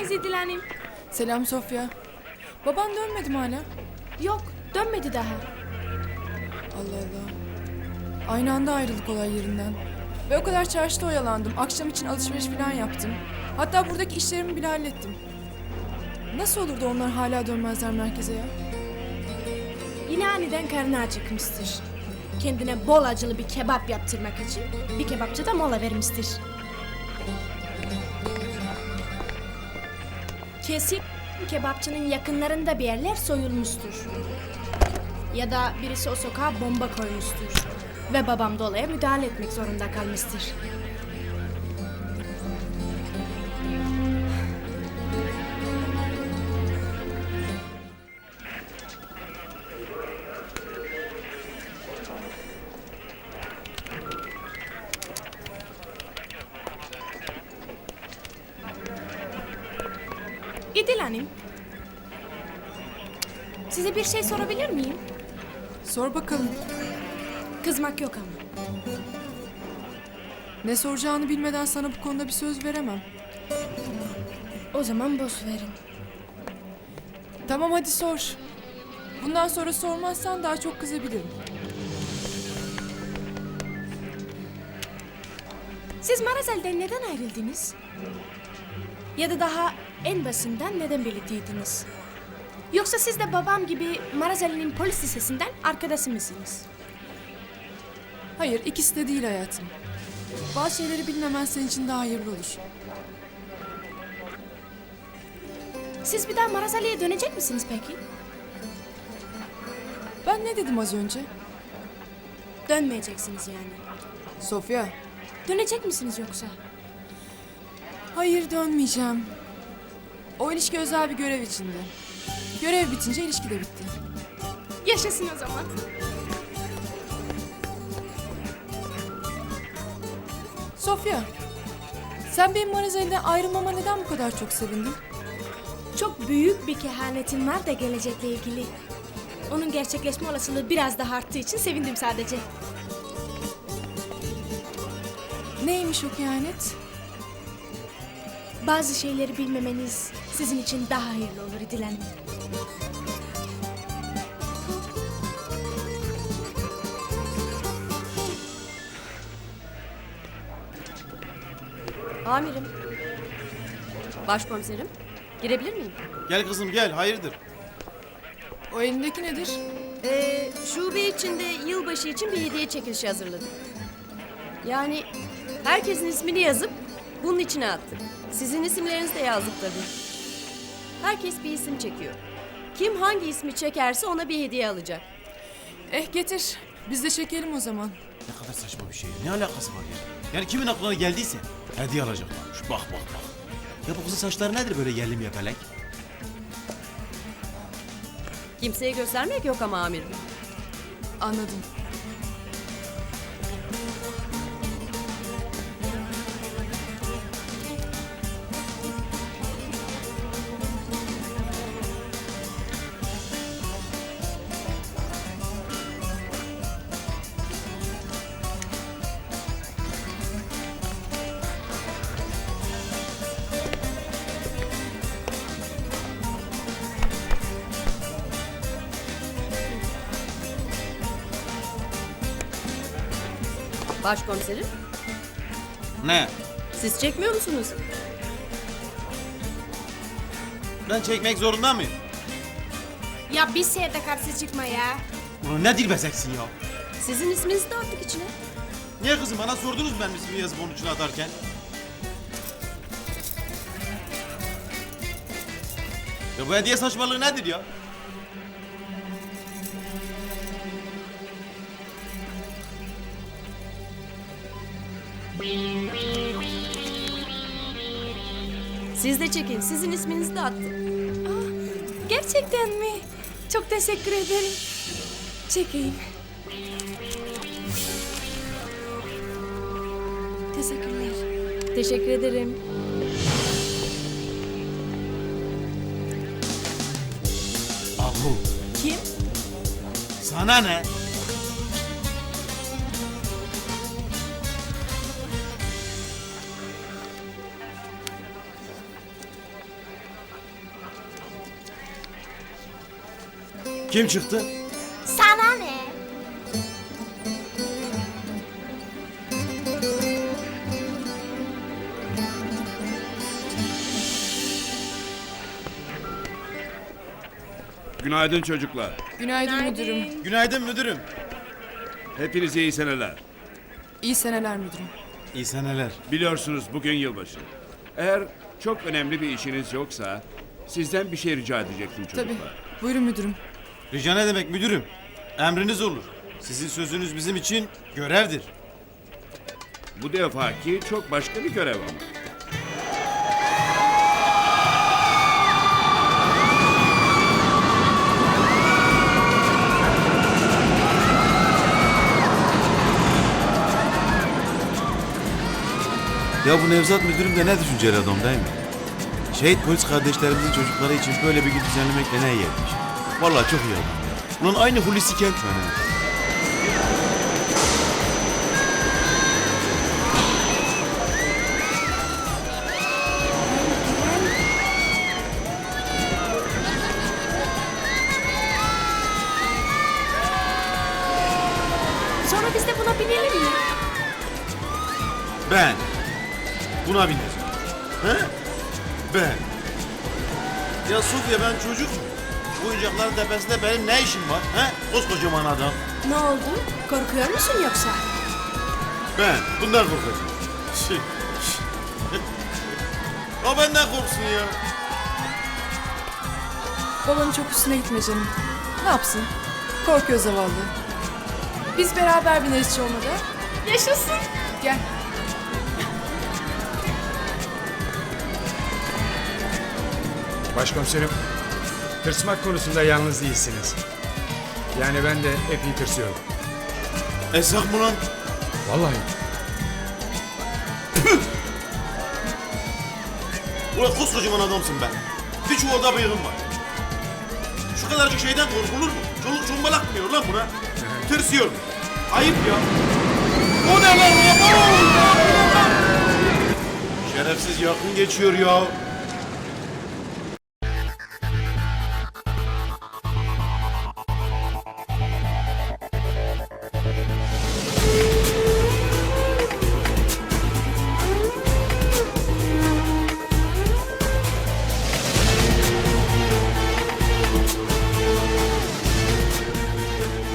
geldiniz İdil Hanım. Selam Sofya. Baban dönmedi mi hala? Yok, dönmedi daha. Allah Allah. Aynı anda ayrıldık olay yerinden. Ve o kadar çarşıda oyalandım. Akşam için alışveriş falan yaptım. Hatta buradaki işlerimi bile hallettim. Nasıl olur da onlar hala dönmezler merkeze ya? Yine aniden karnı acıkmıştır. Kendine bol acılı bir kebap yaptırmak için bir kebapçı da mola vermiştir. Kesin kebapçının yakınlarında bir yerler soyulmuştur. Ya da birisi o sokağa bomba koymuştur. Ve babam da olaya müdahale etmek zorunda kalmıştır. İdil Hanım, size bir şey sorabilir miyim? Sor bakalım. Kızmak yok ama. Ne soracağını bilmeden sana bu konuda bir söz veremem. O zaman boş verin. Tamam hadi sor. Bundan sonra sormazsan daha çok kızabilirim. Siz Marazel'den neden ayrıldınız? Ya da daha en basından neden birlikteydiniz? Yoksa siz de babam gibi Marazel'in polis lisesinden arkadaşı mısınız? Hayır, ikisi de değil hayatım. Bazı şeyleri bilmemen senin için daha hayırlı olur. Siz bir daha Marazel'e dönecek misiniz peki? Ben ne dedim az önce? Dönmeyeceksiniz yani. Sofya. Dönecek misiniz yoksa? Hayır, dönmeyeceğim. O ilişki özel bir görev içinde. Görev bitince ilişki de bitti. Yaşasın o zaman. Sofya, sen benim Marazeli'den ayrılmama neden bu kadar çok sevindin? Çok büyük bir kehanetin var da gelecekle ilgili. Onun gerçekleşme olasılığı biraz daha arttığı için sevindim sadece. Neymiş o kehanet? Bazı şeyleri bilmemeniz sizin için daha hayırlı olur İdil Hanım. Amirim. Başkomiserim. Girebilir miyim? Gel kızım gel, hayırdır? O elindeki nedir? Şube içinde yılbaşı için bir hediye çekilişi hazırladık. Yani herkesin ismini yazıp bunun içine attık. Sizin isimlerinizi de yazdık tabii. Herkes bir isim çekiyor. Kim hangi ismi çekerse ona bir hediye alacak. Getir. Biz de çekelim o zaman. Ne kadar saçma bir şey. Ne alakası var ya? Yani kimin aklına geldiyse hediye alacaklarmış. Bak bak bak. Ya bu kızın saçları nedir böyle yerli yapelek? Kimseye göstermek yok ama amirim. Anladım. Başkomiserim. Ne? Siz çekmiyor musunuz? Ben çekmek zorunda mıyım? Ya bir şeye de karşı çıkma ya. Ulan ne dilbezeksin ya? Sizin isminizi de attık içine. Niye kızım bana sordunuz ben ismini yazıp onun içine atarken? Ya bu hediye saçmalığı nedir ya? Siz de çekin. Sizin isminizi de attık. Gerçekten mi? Çok teşekkür ederim. Çekeyim. Teşekkürler. Teşekkür ederim. Ahu. Kim? Sana ne? Kim çıktı? Sana ne? Günaydın çocuklar. Günaydın müdürüm. Günaydın müdürüm. Hepinize iyi seneler. İyi seneler müdürüm. İyi seneler. Biliyorsunuz bugün yılbaşı. Eğer çok önemli bir işiniz yoksa sizden bir şey rica edecektim çocuklar. Tabii. Buyurun müdürüm. Rica ne demek müdürüm? Emriniz olur. Sizin sözünüz bizim için görevdir. Bu defaki çok başka bir görev ama. Ya bu Nevzat müdürüm de ne düşünceli adam değil mi? Şehit polis kardeşlerimizin çocukları için böyle bir gün düzenlemek de ne iyi etmiş. Vallahi çok iyi adam ya. Ulan aynı Hulusi Kentmen ha. Sonra biz de buna binelim mi? Ben buna bineceğim. He? Ben. Ya Sofya ben çocuk muyum? Bu oyuncakların tepesinde benim ne işim var? He? Koskocaman adam. Ne oldu? Korkuyor musun yoksa? Ben bundan korkacağım. O benden korksun ya. Babanın çok üstüne gitme canım. Ne yapsın? Korkuyor zavallı. Biz beraber bineriz hiç olmadı. Yaşasın. Gel. Başkomiserim, tırsmak konusunda yalnız değilsiniz. Yani ben de epey tırsıyorum. Esak mı lan? Vallahi. Ulan koskocaman adamsın be. Bir çuvalda bıyığın var. Şu kadarcık şeyden korkulur mu? Çoluk çombalak mı diyor lan buna? Tırsıyor. Ayıp ya. O ne lan? Şerefsiz yakın geçiyor ya.